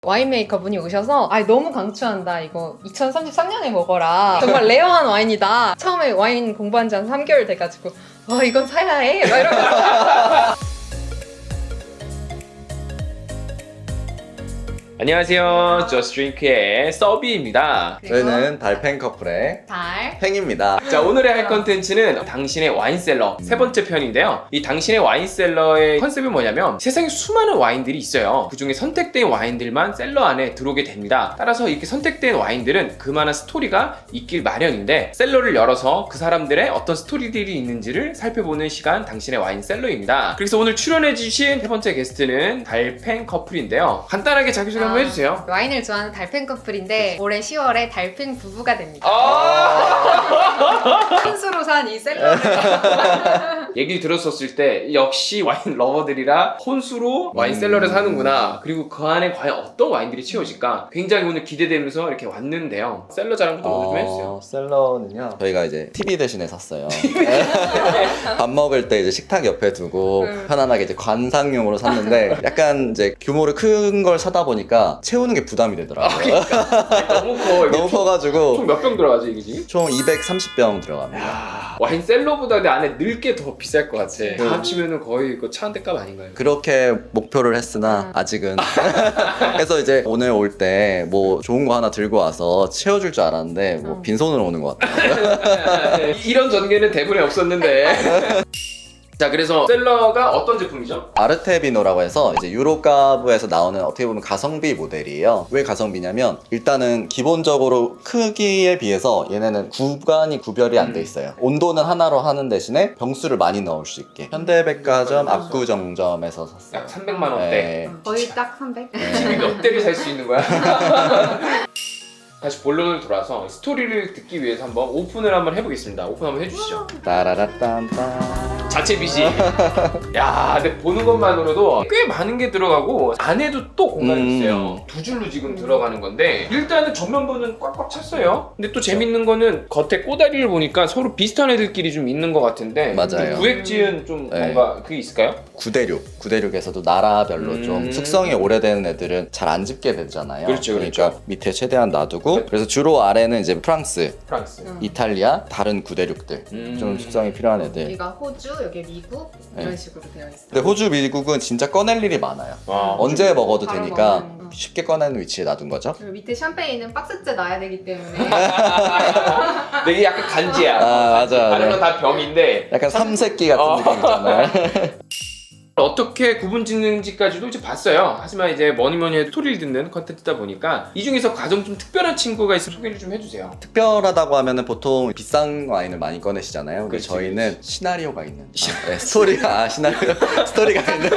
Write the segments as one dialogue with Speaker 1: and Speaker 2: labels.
Speaker 1: 와인 메이커 분이 오셔서 너무 강추한다, 이거 2033년에 먹어라, 정말 레어한 와인이다. 처음에 와인 공부한 지 한 3개월 돼가지고 와, 이건 사야 해 막 이러면서
Speaker 2: 안녕하세요. 저스트링크의 서비입니다.
Speaker 3: 저희는 달팽 커플의
Speaker 1: 달
Speaker 3: 팽입니다.
Speaker 2: 자, 오늘의 할 컨텐츠는 당신의 와인셀러 세 번째 편인데요. 이 당신의 와인셀러의 컨셉이 뭐냐면 세상에 수많은 와인들이 있어요. 그 중에 선택된 와인들만 셀러 안에 들어오게 됩니다. 따라서 이렇게 선택된 와인들은 그만한 스토리가 있길 마련인데 셀러를 열어서 그 사람들의 어떤 스토리들이 있는지를 살펴보는 시간, 당신의 와인셀러입니다. 그래서 오늘 출연해주신 세 번째 게스트는 달팽 커플인데요. 간단하게 자기소개 한번 해주세요.
Speaker 1: 와인을 좋아하는 달팽 커플인데 올해 10월에 달팽 부부가 됩니다. 혼수로 산 이 셀러를
Speaker 2: 얘기 들었었을 때 역시 와인 러버들이라 혼수로 와인셀러를 사는구나, 그리고 그 안에 과연 어떤 와인들이 채워질까 굉장히 오늘 기대되면서 이렇게 왔는데요. 셀러 자랑부터 먼저 좀 해주세요.
Speaker 3: 셀러는요, 저희가 이제 TV 대신에 샀어요. 밥 먹을 때 이제 식탁 옆에 두고 편안하게 이제 관상용으로 샀는데 약간 이제 규모를 큰 걸 사다 보니까 채우는 게 부담이 되더라고요.
Speaker 2: 너무 커. 이게
Speaker 3: 너무 커가지고
Speaker 2: 총 몇 병 들어가지 이게 지금?
Speaker 3: 총 230병 들어갑니다.
Speaker 2: 야, 와인셀러보다 내 안에 늘 게 더 비쌀 것 같아. 다 합치면은 거의 그 차 한 대 값 아닌가요?
Speaker 3: 그렇게 목표를 했으나 아직은 그래서 이제 오늘 올 때 뭐 좋은 거 하나 들고 와서 채워줄 줄 알았는데 뭐 빈손으로 오는 것 같아요.
Speaker 2: 이런 전개는 대본에 없었는데. 자, 그래서 셀러가 어떤 제품이죠?
Speaker 3: 아르테비노라고 해서 이제 유로가브에서 나오는 어떻게 보면 가성비 모델이에요. 왜 가성비냐면 일단은 기본적으로 크기에 비해서 얘네는 구간이 구별이 안 돼 있어요. 온도는 하나로 하는 대신에 병수를 많이 넣을 수 있게. 현대백화점 압구정점에서 샀어요.
Speaker 2: 약 300만 원대.
Speaker 3: 네.
Speaker 1: 거의 딱 300?
Speaker 2: 집이 몇 대를 살 수 있는 거야? 다시 본론을 돌아서 스토리를 듣기 위해서 한번 오픈을 한번 해보겠습니다. 오픈 한번 해주시죠.
Speaker 3: 따라라딴딴.
Speaker 2: 자체 BG. 야, 근데 보는 것만으로도 꽤 많은 게 들어가고 안에도 또 공간이 있어요. 두 줄로 지금 들어가는 건데 일단은 전면부는 꽉꽉 찼어요. 근데 또 재밌는 거는 겉에 꼬다리를 보니까 서로 비슷한 애들끼리 좀 있는 것 같은데
Speaker 3: 맞아요.
Speaker 2: 좀 구획지은 좀
Speaker 3: 네.
Speaker 2: 뭔가 그게 있을까요?
Speaker 3: 구대륙에서도 나라별로 좀 숙성이 오래된 애들은 잘 안 집게 되잖아요.
Speaker 2: 그렇죠,
Speaker 3: 그러니까
Speaker 2: 그렇죠.
Speaker 3: 밑에 최대한 놔두고 그래서 주로 아래는 이제 프랑스,
Speaker 2: 프랑스.
Speaker 3: 이탈리아, 다른 구대륙들 좀 숙성이 필요한 애들.
Speaker 1: 여기가 호주, 여기 미국 이런 식으로 되어 있어요.
Speaker 3: 근데 호주, 미국은 진짜 꺼낼 일이 많아요.
Speaker 2: 와,
Speaker 3: 언제 먹어도
Speaker 1: 바로
Speaker 3: 되니까
Speaker 1: 먹는,
Speaker 3: 쉽게 꺼내는 위치에 놔둔 거죠.
Speaker 1: 그리고 밑에 샴페인은 박스째 놔야 되기 때문에
Speaker 2: 되게 약간 간지야.
Speaker 3: 맞아.
Speaker 2: 다른 건 다 병인데
Speaker 3: 약간 삼색기 같은 느낌 있잖아요.
Speaker 2: 어떻게 구분 짓는지까지도 이제 봤어요. 하지만 이제 뭐니 해도 스토리를 듣는 컨텐츠다 보니까 이 중에서 가장 좀 특별한 친구가 있으면 소개를 좀 해주세요.
Speaker 3: 특별하다고 하면은 보통 비싼 와인을 많이 꺼내시잖아요. 근데
Speaker 2: 그렇지,
Speaker 3: 저희는 시나리오가 있는 스토리가 시나리오 스토리가 있는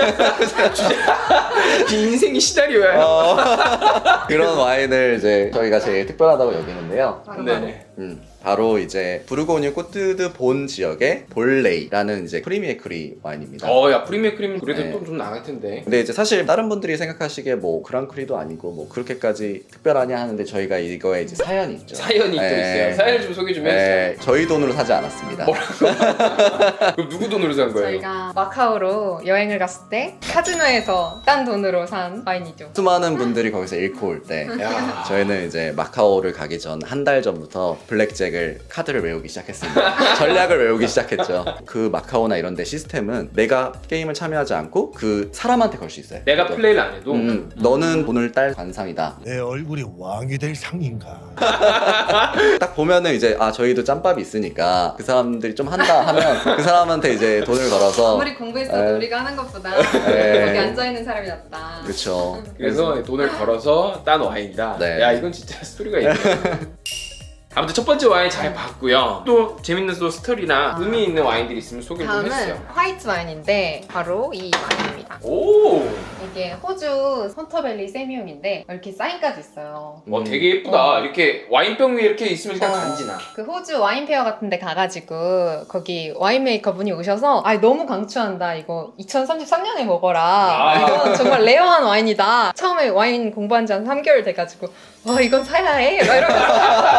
Speaker 2: 인생이 시나리오예요.
Speaker 3: 그런 와인을 이제 저희가 제일 특별하다고 여기는데요.
Speaker 1: 바로
Speaker 2: 네네.
Speaker 3: 바로 이제 부르고뉴 꼬뜨드 본 지역의 볼레이라는 이제 프리미에크리 와인입니다.
Speaker 2: 야, 프리미어 크림 그래도
Speaker 3: 네.
Speaker 2: 좀 나갈 텐데.
Speaker 3: 근데 이제 사실 다른 분들이 생각하시기에 뭐 그랑크리도 아니고 뭐 그렇게까지 특별하냐 하는데 저희가 이거에 이제 사연이 있죠.
Speaker 2: 사연이 또
Speaker 3: 네.
Speaker 2: 있어요. 사연을 좀 소개 좀 해주세요.
Speaker 3: 네, 저희 돈으로 사지 않았습니다.
Speaker 2: 그럼 누구 돈으로 산 거예요?
Speaker 1: 저희가 마카오로 여행을 갔을 때 카지노에서 딴 돈으로 산 와인이죠.
Speaker 3: 수많은 분들이 거기서 잃고 올 때
Speaker 2: 야.
Speaker 3: 저희는 이제 마카오를 가기 전 한 달 전부터 블랙잭을 카드를 외우기 시작했습니다. 전략을 외우기 시작했죠. 그 마카오나 이런 데 시스템은 내가 게임을 참여하지 않고 그 사람한테 걸 수 있어요.
Speaker 2: 내가 플레이를 안 해도
Speaker 3: 너는 돈을 딸 관상이다.
Speaker 4: 내 얼굴이 왕이 될 상인가?
Speaker 3: 딱 보면은 이제 저희도 짬밥이 있으니까 그 사람들이 좀 한다 하면 그 사람한테 이제 돈을 걸어서
Speaker 1: 아무리 공부했어도 우리가 하는 것보다
Speaker 3: 네.
Speaker 1: 여기 앉아있는 사람이 낫다.
Speaker 3: 그렇죠.
Speaker 2: 그래서 돈을 걸어서 딴 와인이다.
Speaker 3: 네.
Speaker 2: 야, 이건 진짜 스토리가 있네. 아무튼 첫 번째 와인 잘 봤고요. 또 재밌는 또 스토리나 의미 있는 와인들이 있으면 소개 좀
Speaker 1: 다음은
Speaker 2: 해주세요.
Speaker 1: 화이트 와인인데 바로 이 와인입니다.
Speaker 2: 오,
Speaker 1: 이게 호주 헌터밸리 세미움인데 이렇게 사인까지 있어요.
Speaker 2: 되게 예쁘다. 이렇게 와인병 위에 이렇게 있으면 그냥 간지나.
Speaker 1: 그 호주 와인 페어 같은 데 가가지고 거기 와인 메이커 분이 오셔서 너무 강추한다, 이거 2033년에 먹어라, 이건 정말 레어한 와인이다. 처음에 와인 공부한 지 한 3개월 돼가지고 와, 이건 사야 해 막 이러면서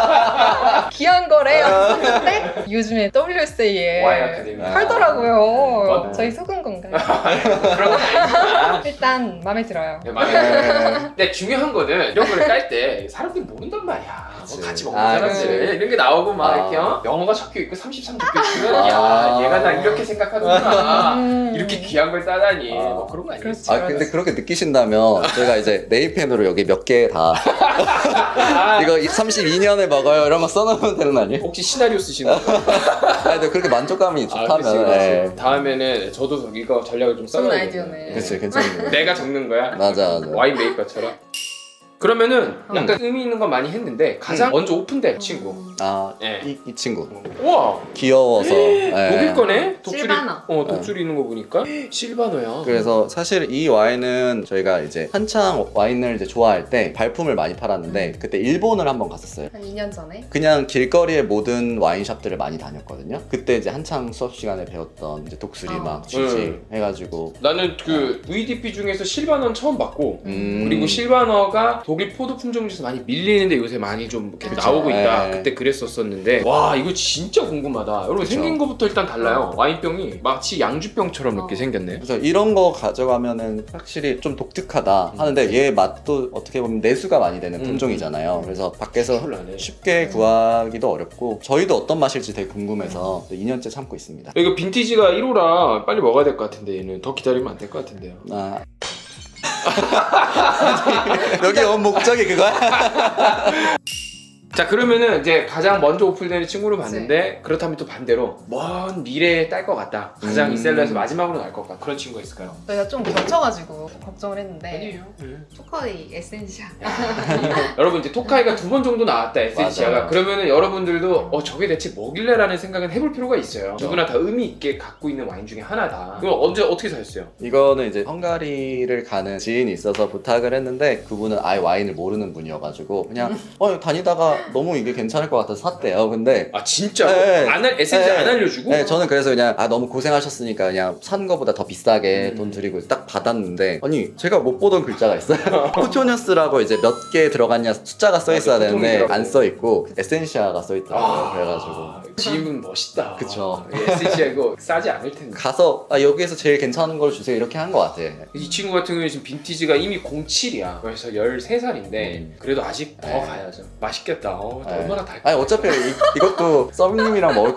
Speaker 1: 귀한 거래요. 근데 요즘에 WSA에
Speaker 2: 와인 아카데미.
Speaker 1: 팔더라고요. 저희 속은 건가요?
Speaker 2: 그런 거 아니야.
Speaker 1: 일단 마음에 들어요.
Speaker 2: 네, 맞아요. 근데 중요한 거는 이런 거를 깔 때 사람들이 모른단 말이야. 뭐
Speaker 3: 그치.
Speaker 2: 같이 먹는
Speaker 3: 아,
Speaker 2: 사람들
Speaker 1: 그치.
Speaker 2: 이런 게 나오고 막
Speaker 3: 아.
Speaker 2: 이렇게 영어가 적혀 있고 33 적혀 있으면 야 얘가 나 이렇게 생각하는구나. 이렇게 귀한 걸 싸다니 뭐 그런 거 아니겠어?
Speaker 1: 그렇지.
Speaker 3: 아 근데 그렇게 느끼신다면 저희가 이제 네이펜으로 여기 몇 개 다 이거 32년에 먹어요 이런 거 써놓으면 되는 거 아니에요?
Speaker 2: 혹시 시나리오 쓰시는 거?
Speaker 3: 아니 근데 그렇게 만족감이
Speaker 2: 그치,
Speaker 3: 좋다면
Speaker 2: 그치. 다음에는 저도 이거 전략을 좀
Speaker 1: 좋은
Speaker 2: 써봐야
Speaker 1: 아이디어네.
Speaker 3: 그치 괜찮네.
Speaker 2: 내가 적는 거야?
Speaker 3: 맞아.
Speaker 2: 와인 메이커처럼. 그러면은
Speaker 1: 음.
Speaker 2: 약간 의미 있는 건 많이 했는데 가장 먼저 오픈된 친구.
Speaker 3: 아,
Speaker 2: 예.
Speaker 3: 이 친구
Speaker 2: 우와
Speaker 3: 귀여워서 예.
Speaker 2: 독일 거네? 독수리,
Speaker 1: 실바너.
Speaker 2: 독수리 있는 거 보니까 실바너야.
Speaker 3: 그래서 사실 이 와인은 저희가 이제 한창 와인을 이제 좋아할 때 발품을 많이 팔았는데 그때 일본을 한번 갔었어요.
Speaker 1: 한 2년 전에.
Speaker 3: 그냥 길거리의 모든 와인샵들을 많이 다녔거든요. 그때 이제 한창 수업 시간에 배웠던 이제 독수리 막 쥐지 해가지고
Speaker 2: 나는 그 VDP 중에서 실바너는 처음 봤고 그리고
Speaker 3: 음.
Speaker 2: 실바너가 독일 포도 품종 중에서 많이 밀리는데 요새 많이 좀 이렇게
Speaker 1: 그쵸.
Speaker 2: 나오고 있다.
Speaker 3: 네.
Speaker 2: 그때 그랬었었는데 와 이거 진짜 궁금하다. 여러분
Speaker 3: 그쵸.
Speaker 2: 생긴 거부터 일단 달라요. 와인병이 마치 양주병처럼 이렇게 생겼네.
Speaker 3: 그래서 이런 거 가져가면은 확실히 좀 독특하다 하는데 얘 맛도 어떻게 보면 내수가 많이 되는 품종이잖아요. 그래서 밖에서
Speaker 2: 콜라네.
Speaker 3: 쉽게 구하기도 어렵고 저희도 어떤 맛일지 되게 궁금해서 2년째 참고 있습니다.
Speaker 2: 이거 빈티지가 1호라 빨리 먹어야 될 것 같은데 얘는 더 기다리면 안 될 것 같은데요.
Speaker 3: 아. 여기 온 목적이 그거야?
Speaker 2: 자 그러면은 이제 가장 먼저 오픈되는 친구를 봤는데 그렇다면 또 반대로 먼 미래에 딸 것 같다. 가장 이 셀러에서 마지막으로 날 것 같다. 그런 친구가 있을까요?
Speaker 1: 저희가 좀 겹쳐가지고 걱정을 했는데
Speaker 2: 아니에요.
Speaker 1: 토커이 에센셜.
Speaker 2: 여러분 이제 토카이가 2번 정도 나왔다 에센시아가.
Speaker 3: 맞아요.
Speaker 2: 그러면은 여러분들도 저게 대체 뭐길래라는 생각은 해볼 필요가 있어요. 누구나 다 의미 있게 갖고 있는 와인 중에 하나다. 그럼 언제 어떻게 사셨어요?
Speaker 3: 이거는 이제 헝가리를 가는 지인이 있어서 부탁을 했는데 그분은 아예 와인을 모르는 분이어가지고 그냥 다니다가 너무 이게 괜찮을 것 같아서 샀대요. 근데
Speaker 2: 아 진짜?
Speaker 3: 네.
Speaker 2: 에센시
Speaker 3: 네.
Speaker 2: 안 알려주고?
Speaker 3: 네, 저는 그래서 그냥 너무 고생하셨으니까 그냥 산 거보다 더 비싸게 돈 드리고 딱 받았는데 아니 제가 못 보던 글자가 있어요. 쿠토니어스라고 이제 몇 개 들어갔냐 숫자가 써 있어야
Speaker 2: 맞아,
Speaker 3: 되는데
Speaker 2: 쿠토니어스라고.
Speaker 3: 안 써 있고 에센시아가 써 있더라고요. 그래가지고
Speaker 2: 지인분 멋있다.
Speaker 3: 그쵸.
Speaker 2: 에센시아 이거 싸지 않을 텐데.
Speaker 3: 가서 여기에서 제일 괜찮은 걸 주세요 이렇게 한 것 같아.
Speaker 2: 이 친구 같은 경우에 지금 빈티지가 이미 07이야. 그래서 13살인데 그래도 아직 더
Speaker 3: 네.
Speaker 2: 가야죠. 맛있겠다.
Speaker 3: 네.
Speaker 2: 얼마나 달까?
Speaker 3: 아니 어차피 이것도 썸님이랑 먹을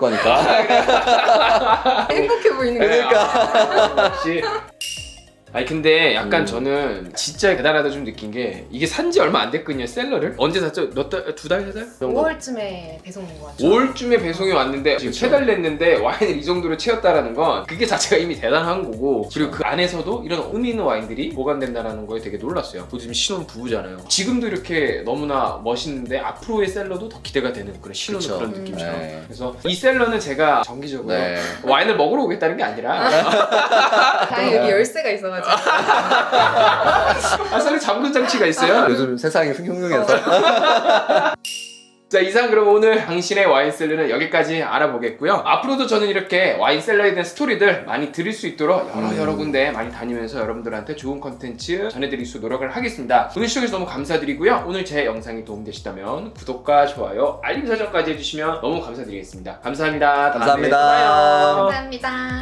Speaker 3: 거니까.
Speaker 1: 행복해 보이는 거예요.
Speaker 3: 그러니까.
Speaker 2: 역시. 아니 근데 약간 저는 진짜 대단하다 좀 느낀 게 이게 산지 얼마 안 됐거든요 셀러를. 언제 샀죠? 몇 달? 2달? 3달?
Speaker 1: 5월쯤에 배송 온 것 같죠.
Speaker 2: 5월쯤에 배송이 왔는데 지금 3달 냈는데 와인을 이 정도로 채웠다라는 건 그게 자체가 이미 대단한 거고 그리고 그 안에서도 이런 의미 있는 와인들이 보관된다는 거에 되게 놀랐어요. 요즘 신혼 부부잖아요. 지금도 이렇게 너무나 멋있는데 앞으로의 셀러도 더 기대가 되는 그런 신혼의
Speaker 3: 그쵸.
Speaker 2: 그런 느낌처럼.
Speaker 3: 네.
Speaker 2: 그래서 이 셀러는 제가 정기적으로
Speaker 3: 네.
Speaker 2: 와인을 먹으러 오겠다는 게 아니라
Speaker 1: 다행히 여기 열쇠가 있어가지고.
Speaker 2: 셀러 잠금 장치가 있어요.
Speaker 3: 요즘 세상이 흉흉해서.
Speaker 2: 자 이상 그럼 오늘 당신의 와인셀러는 여기까지 알아보겠고요. 앞으로도 저는 이렇게 와인셀러에 대한 스토리들 많이 들을 수 있도록 여러 군데 많이 다니면서 여러분들한테 좋은 컨텐츠 전해드릴 수 노력을 하겠습니다. 오늘 시청해주셔서 너무 감사드리고요. 오늘 제 영상이 도움되시다면 구독과 좋아요 알림 설정까지 해주시면 너무 감사드리겠습니다. 감사합니다. 다음에 또
Speaker 3: 감사합니다.
Speaker 2: 봐요.
Speaker 1: 감사합니다.